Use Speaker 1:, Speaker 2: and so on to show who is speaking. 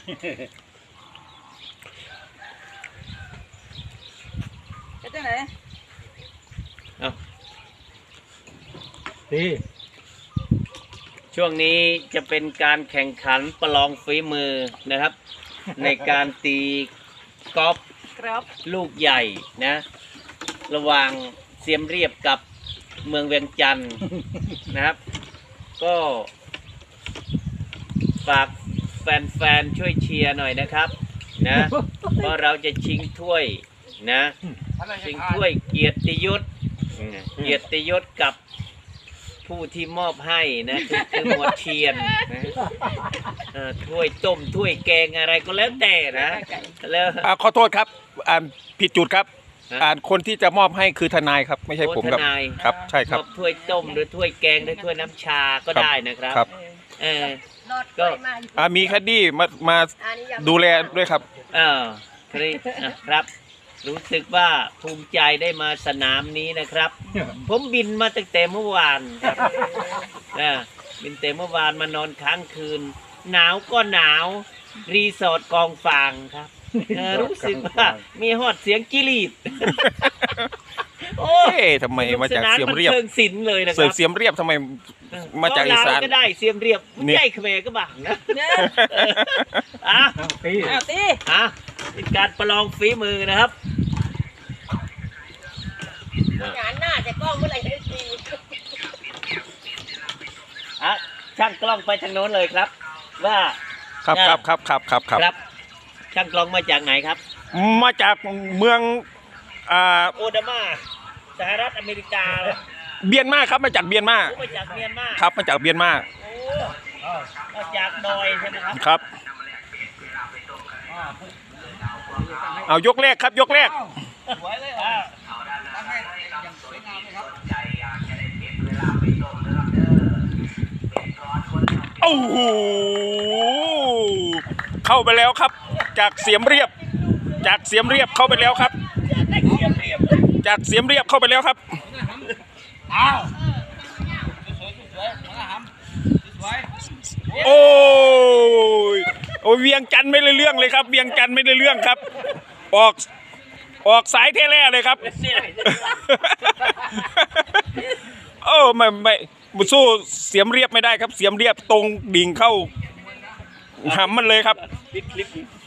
Speaker 1: จะไหน
Speaker 2: เอา
Speaker 3: ดี
Speaker 2: ช่วงนี้จะเป็นการแข่งขันประลองฝีมือนะครับ ในการตีกอล์ฟลูกใหญ่นะระหว่างเสียมเรียบกับเมืองเวียงจันทร์นะครับ ก็ฝากแฟนๆช่วยเชียร์หน่อยนะครับนะเพราะเราจะชิงถ้วยนะชิงถ้วยเกียรติยศกับผู้ที่มอบให้นะคือหมวดเชียนนะถ้วยต้มถ้วยแกงอะไรก็แล้วแต่นะแล้ว
Speaker 3: ขอโทษครับผิดจุดครับคนที่จะมอบให้คือทนายครับไม่ใช่ผมครับครับใช่ครับ
Speaker 2: มอบถ้วยต้มหรือถ้วยแกงหรือถ้วยน้ำชาก็ได้นะครับก็
Speaker 3: มีคดีมาดูแลด้วยครับ
Speaker 2: ครับรู้สึกว่าภูมิใจได้มาสนามนี้นะครับผมบินมาตั้งแต่เมื่อวานครับบินแต่เมื่อวานมานอนค้างคืนหนาวก็หนาวรีสอร์ทกองฟางครับรู้สึกว่ามีฮอดเสียงจิลีด
Speaker 3: โอ้ยทำไมมาจากเสียมเรียบ
Speaker 2: เชิงศิลป์เลยนะครับ
Speaker 3: เสียมเรียบทำไมมาจากอีสาน
Speaker 2: ก็ได้เสียมเรียบใหญ่เขมรก็บ้างนะตีเป็นการประลองฝีมือนะครับ
Speaker 1: งานหน้าจะกล้องเมื่อไหร่จะตี
Speaker 2: ช่างกล้องไปทางโน้นเลยครับว่า
Speaker 3: ครับ
Speaker 2: ช่างกล้องมาจากไหนครับ
Speaker 3: มาจากเมือง
Speaker 2: โอดามาสหรัฐอเมริกา
Speaker 3: เบียนมาครับมาจากเบียนมาครับมาจากเบียนมา
Speaker 2: มาจากดอยใช่ไหมครับ
Speaker 3: ครับเอายกแรกครับยกแรกโอ้โหเข้าไปแล้วครับจากเสียมเรียบเข้าไปแล้วครับจากเสียมเรียบเข้าไปแล้วครับโอ้ยเวียงจันทร์ไม่ได้เรื่องเลยครับเวียงจันทร์ไม่ได้เรื่องครับออกสายเทแร่เลยครับโอ้ไม่สู้เสียมเรียบไม่ได้ครับเสียมเรียบตรงดิ่งเข้าหำมันเลยครับ